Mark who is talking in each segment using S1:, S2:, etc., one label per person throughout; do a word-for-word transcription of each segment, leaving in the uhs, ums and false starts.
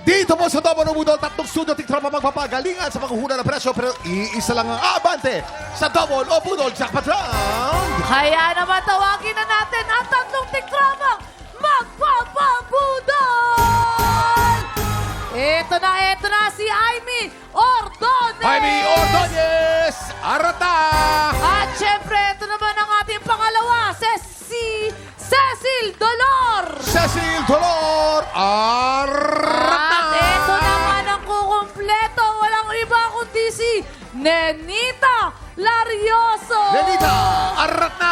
S1: Dito po sa Double Budol, tatlong studio tiktropa magpapagalingan sa paghuhula ng presyo pero iisa lang ang abante sa Double o Budol Jackpot Round.
S2: Kaya naman tawagin na natin ang tatlong tiktramang magpapabudol! Ito na, ito na si Aimee Ordones!
S1: Jaime Ordonez, Arata!
S2: At syempre, ito naman ang ating pangalawa, si Cecil Dolor!
S1: Cecil Dolor, Arata!
S2: At ito naman ang kukumpleto, walang iba kundi si Nenita Larioso!
S1: Lenita, Arata!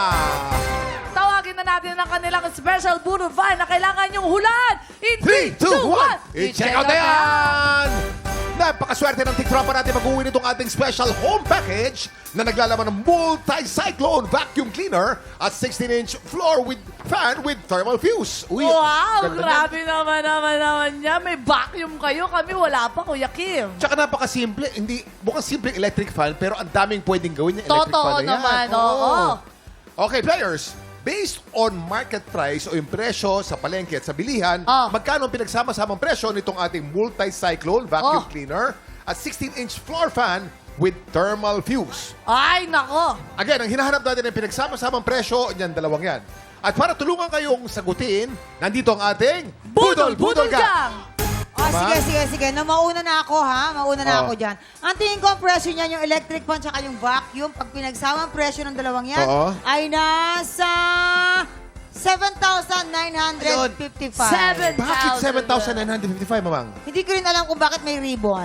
S2: Tawagin na natin ang kanilang special Budol Find na kailangan niyong hulaan in
S1: three, two, one,
S2: I-check
S1: i-check out na yan! Napakaswerte ng tiktropa natin mag-uwi nitong ating special home package na naglalaman ng multi-cyclone vacuum cleaner at sixteen inch floor with fan with thermal fuse. Uy,
S2: Wow,
S1: ganda
S2: grabe naman naman naman niya. May vacuum kayo. Kami wala pa, Kuya Kim.
S1: yan. Tsaka napakasimple. Hindi, mukhang simple electric fan pero ang daming pwedeng gawin yung electric
S2: Totoo
S1: fan na yan.
S2: naman, oo.
S1: Okay, players. Based on market price o yung presyo sa palengke at sa bilihan,
S2: Oh.
S1: magkano ang pinagsama-samang presyo nitong ating multi-cyclone vacuum
S2: Oh.
S1: cleaner at sixteen inch floor fan with thermal fuse?
S2: Ay, nako.
S1: Again, ang hinahanap natin ay pinagsama-samang presyo, yan dalawang yan. At para tulungan kayong sagutin, nandito ang ating
S2: Budol, budol
S1: Gang.
S2: gang.
S3: Oh, sige, sige, sige. No, mauna na ako, ha? Mauna na
S1: Oh.
S3: ako dyan. Ang tingin ko ang presyo niyan, yung electric fan tsaka yung vacuum, pag pinagsama ang presyo ng dalawang yan,
S1: Oo.
S3: ay nasa seven thousand nine hundred fifty-five.
S2: Seven
S1: Bakit seven thousand nine hundred fifty-five, mamang?
S3: Hindi ko rin alam kung bakit may ribbon.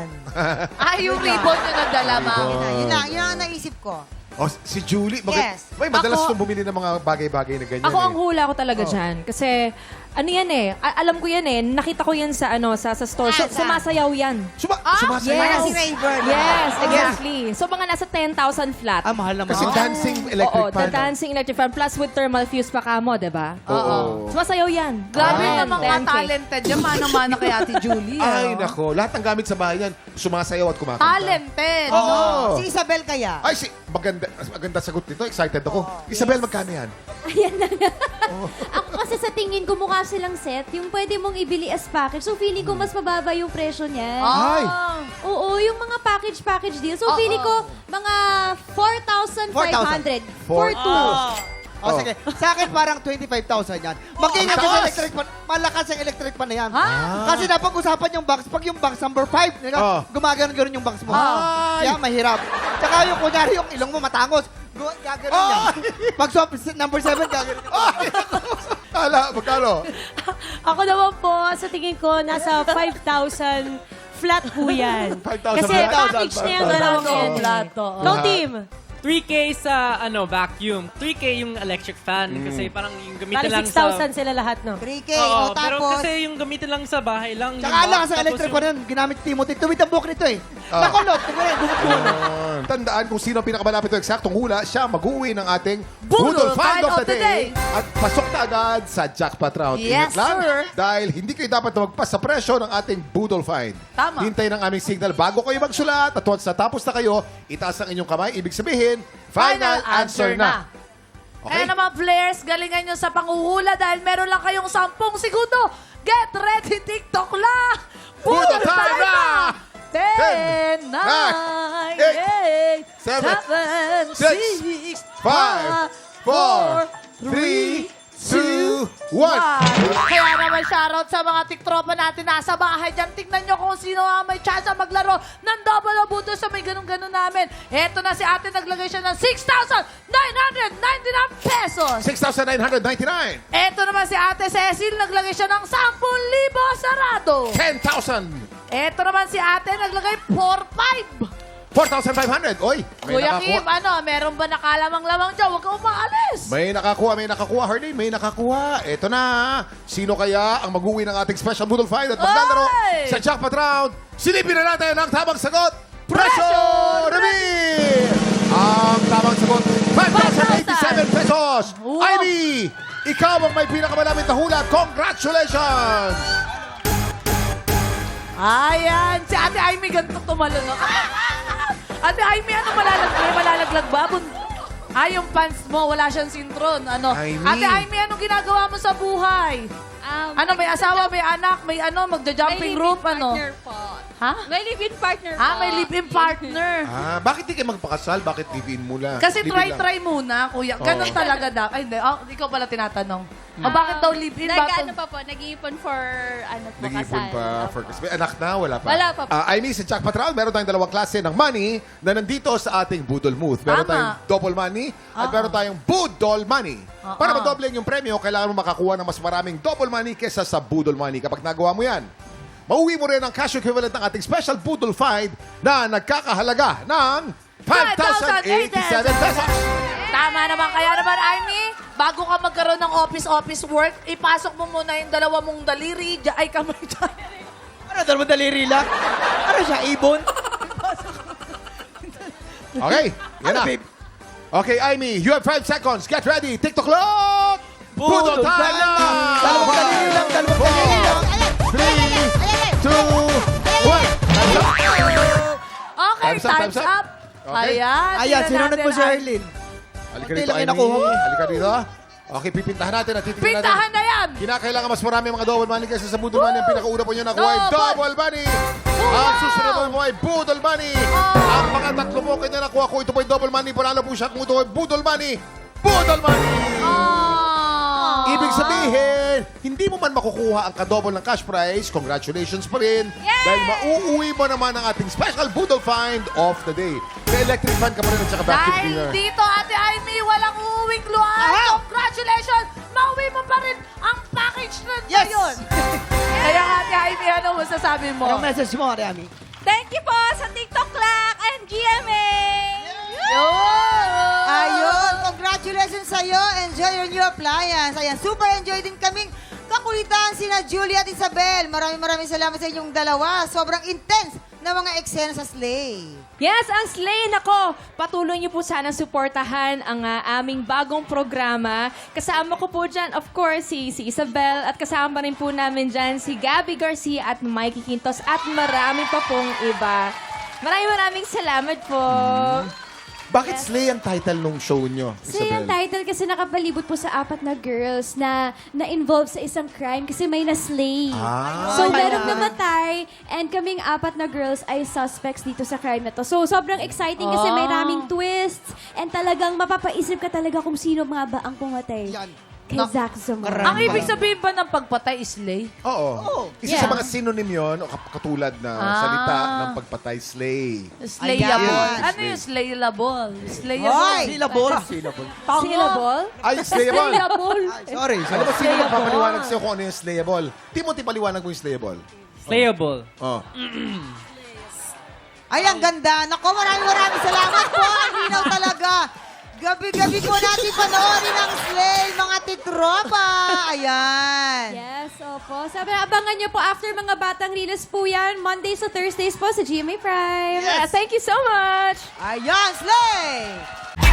S2: Ay, yung ribbon yung nagdala, ma'am.
S3: Yun na, yun na, yun ang naisip ko.
S1: Oh, si Julie, mag-
S3: Yes.
S1: may madalas
S4: Ako-
S1: itong bumili ng mga bagay-bagay na ganyan.
S4: Ako ang
S1: eh.
S4: hula ko talaga dyan. Kasi, ano yan eh, a- alam ko yan eh, nakita ko yan sa ano sa sa store. So,
S3: Saan, saan?
S4: sumasayaw yan.
S1: Suma-
S2: Ah,
S1: sumasayaw.
S3: Parang si Rayburn.
S4: Yes, exactly. So, mga nasa ten thousand flat.
S5: Ah, mahal naman.
S1: Kasi dancing electric
S4: Oo,
S1: fan.
S4: the dancing electric fan plus with thermal fuse pa kamo, di ba?
S1: Oo.
S4: Sumasayaw yan.
S2: Grabe
S4: Ten,
S2: naman
S4: ten
S2: mga
S4: K.
S2: talented yan. Manang-mana kay Ate Julie.
S1: Ay,
S2: ah.
S1: nako. Lahat ng gamit sa bahay yan, sumasayaw at kumakanta.
S2: Talented.
S1: Oo.
S2: no?
S3: Si Isabel kaya?
S1: Ay, si, maganda, maganda sagot nito. Excited ako. Isabel, magkano yan?
S6: Ayan na nga. Ako kasi sa tingin ko mukha silang set, yung pwede mong ibili as package. So feeling ko mas mababa yung presyo niya.
S1: Ay!
S2: Ah.
S6: Oo, yung mga package-package deal. So
S2: Oo.
S6: feeling ko mga four thousand five hundred.
S1: Four-
S6: For two.
S5: Oh, sige. Sa akin parang twenty-five thousand yan. Mag-ingat
S1: ang
S5: ka sa
S1: taas.
S5: electric fan. Malakas ang electric fan na yan.
S2: Ah.
S5: Kasi napag-usapan yung box. Pag yung box number five,
S1: Oh.
S5: gumagano-gano yung box mo.
S1: Ay.
S5: Kaya mahirap. Tsaka yung kunyari yung ilong mo matangos. gu- Gagano yan. Pag swap number seven, gagano yan.
S1: Hala, magkano?
S7: Ako naman po, sa tingin ko, nasa five thousand flat po yan.
S1: five thousand
S7: Kasi
S1: flat.
S7: package na yung dalawang
S2: Plato,
S7: yan.
S2: plato.
S7: Ikaw, team.
S8: three K sa ano vacuum, three K yung electric fan kasi parang yung gamitin
S7: Bali
S8: lang
S7: six
S8: sa
S7: thousand sila lahat, no?
S3: three K.
S8: Oo,
S3: o
S8: pero
S3: tapos,
S8: kasi yung gamitin lang sa bahay lang.
S5: Tsaka
S8: yung
S5: ala
S8: box,
S5: sa
S8: tapos
S5: electric
S8: yung-
S5: fan yan. Ginamit Timothy. Tuwid ang book nito eh.
S1: Ah.
S5: Nakulot. Tingnan, bumubuo na.
S1: Yun. Tandaan kung sino ang pinakamalapit ng eksaktong hula, siya mag-uwi ng ating
S2: Budol Find of the Day.
S1: At pasok na agad sa jackpot round.
S2: Yes,
S1: Ingat lang,
S2: sir.
S1: dahil hindi kayo dapat na magpas sa presyo ng ating Budol Find.
S2: Tama.
S1: Hintay ng aming signal bago kayo magsulat at once natapos na kayo, itaas ang inyong kamay. Ibig sabihin, final, answer na. Okay?
S2: Kaya naman players, galingan nyo sa panguhula dahil meron lang kayong sampung segundo. Get ready, TikTok lang!
S1: Budol time na!
S2: ten,
S1: nine,
S2: nine,
S1: eight,
S2: eight,
S1: seven,
S2: seven,
S1: six,
S2: six,
S1: five, four, three, two, one.
S2: Kaya naman shoutout sa mga tiktropa natin nasa bahay dyan. Tignan nyo kung sino ang may chance maglaro ng double o buto sa may ganun-ganun namin. Eto na si ate, naglagay siya ng six thousand nine hundred ninety-nine pesos.
S1: six thousand nine hundred ninety-nine.
S2: Eto naman si ate Cecil, naglagay siya ng ten thousand sarado.
S1: ten thousand.
S2: Eto naman si ate, naglagay four five.
S1: four thousand five hundred. Oy, may
S2: Kuya Kim,
S1: nakakuha.
S2: ano, meron ba nakalamang-lamang dyan? Huwag kang umaalis.
S1: May nakakuha, may nakakuha. Hardin, may nakakuha. Eto na. Sino kaya ang mag-uwi ng ating special Budol Find at maglalaro
S2: Oy!
S1: sa jackpot round? Silipin na natin ang tamang sagot. Presyo
S2: Presyo
S1: reveal! Ang tamang sagot, five thousand eighty-seven pesos.
S2: Wow.
S1: Ivy, ikaw ang may pinakamalapit na hula. Congratulations!
S2: Ayan, si Ate Aimee ganito tumalo, no? Ah! Ate Aimee, ano malalaglag? May malalaglag ba? Bun- Ah, yung pants mo, wala siyang sintron. Ano?
S1: Aimee.
S2: Ate Aimee, anong ginagawa mo sa buhay?
S6: Um,
S2: Ano, may asawa, may anak, may ano, magja-jumping rope, ano?
S6: po.
S2: Ha?
S6: May live-in partner po.
S2: Ah, may live-in partner.
S1: Ah, bakit di kayo magpakasal? Bakit live-in muna?
S2: Kasi
S1: Live-in lang.
S2: try-try muna, kuya. Ganon
S1: Oo.
S2: talaga dapat. Ay, hindi. Oh, ikaw pala tinatanong. O bakit daw live-in?
S6: Nag-ano
S2: Bakit?
S6: pa po, nag-iipon for, ano po,
S1: Nag-iipon
S6: kasal.
S1: pa for
S6: Opo.
S1: Christmas. May anak na, wala pa.
S6: Wala pa po.
S1: Ah, Amy, sa Jack Patral, meron tayong dalawang klase ng money na nandito sa ating Budol Booth. Meron
S2: Tama.
S1: tayong double money at meron tayong Budol money.
S2: Oo.
S1: Para madoble yung premyo, kailangan mo makakuha ng mas maraming double money kesa sa Budol money. Kapag nagawa mo yan, mauwi mo rin ang cash equivalent ng ating special Budol Find na nagkakahalaga ng five thousand eighty-seven pesos.
S2: Tama naman. Kaya naman, Amy, bago ka magkaroon ng office-office work, ipasok mo muna yung dalawa mong daliri. Diya, ay, kamay dyan.
S5: Ano, dalawang daliri lang? Ano siya, ibon?
S1: Okay, yan
S5: Ano,
S1: na.
S5: babe?
S1: Okay, Amy, you have five seconds. Get ready. TikTok clock! Budol
S5: Budol
S1: time
S5: time
S1: na!
S5: na! Dalawang daliri lang, dalawang
S1: Four,
S5: daliri lang.
S1: three, two, one. Time's up.
S2: Okay,
S1: Time's up,
S2: time's,
S1: time's up.
S2: up.
S1: Okay.
S2: Ayan.
S5: Ayan,
S2: tingnan
S5: sinunod
S2: natin,
S5: mo si
S2: Amy.
S5: Erlyn.
S1: Halika
S5: Konti
S1: rito,
S5: lang yung
S1: Amy.
S5: nakuha mo.
S1: Halika rito. Okay, pipintahan natin at titignan natin.
S2: Pintahan na yan.
S1: Kinakailangan mas marami mga double money kaysa sa Budol money. Ang pinakauna po nyo nakuha ay
S2: Double.
S1: double money. Ang susunod mo ay Budol money. Ang mga tatlo mo kayo na nakuha ko, ito po ay double money. Panalo po siya kung ito ay Budol money. Budol money!
S2: Oh.
S1: Ibig sabihin, hindi mo man makukuha ang kadouble ng cash prize, congratulations pa rin. Dahil mauuwi mo naman ang ating special Budol Find of the day. May electric fan ka pa rin at saka vacuum
S2: Dahil
S1: cleaner.
S2: dito, Ate Amy, walang uuwing luhaan. Congratulations! Mauwi mo pa rin ang package na
S5: Yes!
S2: ngayon. Kaya Ate Amy, ano masasabi mo?
S5: Anong message mo, Ariami?
S6: Thank you po sa TikTok Clock and G M A!
S3: Ayun, congratulations sa'yo. Enjoy your new appliance. Ayan, super enjoy din kaming kakulitan sina Julie at Isabel. Maraming maraming salamat sa inyong dalawa. Sobrang intense na mga eksena sa Slay.
S4: Yes, ang Slay, nako, patuloy niyo po sana suportahan ang ah, aming bagong programa. Kasama ko po dyan, of course, si, si Isabel at kasama rin po namin dyan si Gabby Garcia at Mikey Quintos at marami pa pong iba. Maraming maraming salamat po.
S1: Bakit Slay ang title nung show nyo,
S6: So yung
S1: Isabel?
S6: title kasi nakapalibot po sa apat na girls na na-involve sa isang crime kasi may na-slay.
S1: Ah.
S6: So merong namatay and kaming apat na girls ay suspects dito sa crime na to. So sobrang exciting kasi may raming twists and talagang mapapaisip ka talaga kung sino nga ba ang pumatay
S5: Yan.
S6: kay Zack Zamora.
S2: Ang ibig sabihin ba ng pagpatay is slay?
S1: Oo. Isa
S6: Yeah.
S1: sa mga synonym yon o kap- katulad na
S2: Ah.
S1: salita ng pagpatay, slay.
S2: Slayable.
S1: Ayan.
S2: Ano yung slayable? Slayable.
S3: Hoy!
S5: Syllable. Syllable.
S4: Syllable?
S1: Ay, slayable.
S6: Syllable.
S5: Sorry,
S1: Alam mo,
S5: sorry.
S1: sino magpapaliwanag sa'yo kung ano yung slayable? Timothy, paliwanag mo yung slayable.
S8: Slayable.
S1: Oh.
S3: Ay, ang ganda. Nako, maraming maraming salamat po. Ang linaw talaga. Gabi-gabi po natin panoorin ang Slay, mga titropa. Ayan.
S6: Yes, opo. Sabi, abangan nyo po after mga batang release po yan. Mondays to Thursdays po sa G M A Prime.
S4: Thank you so much.
S3: Ayan, Slay!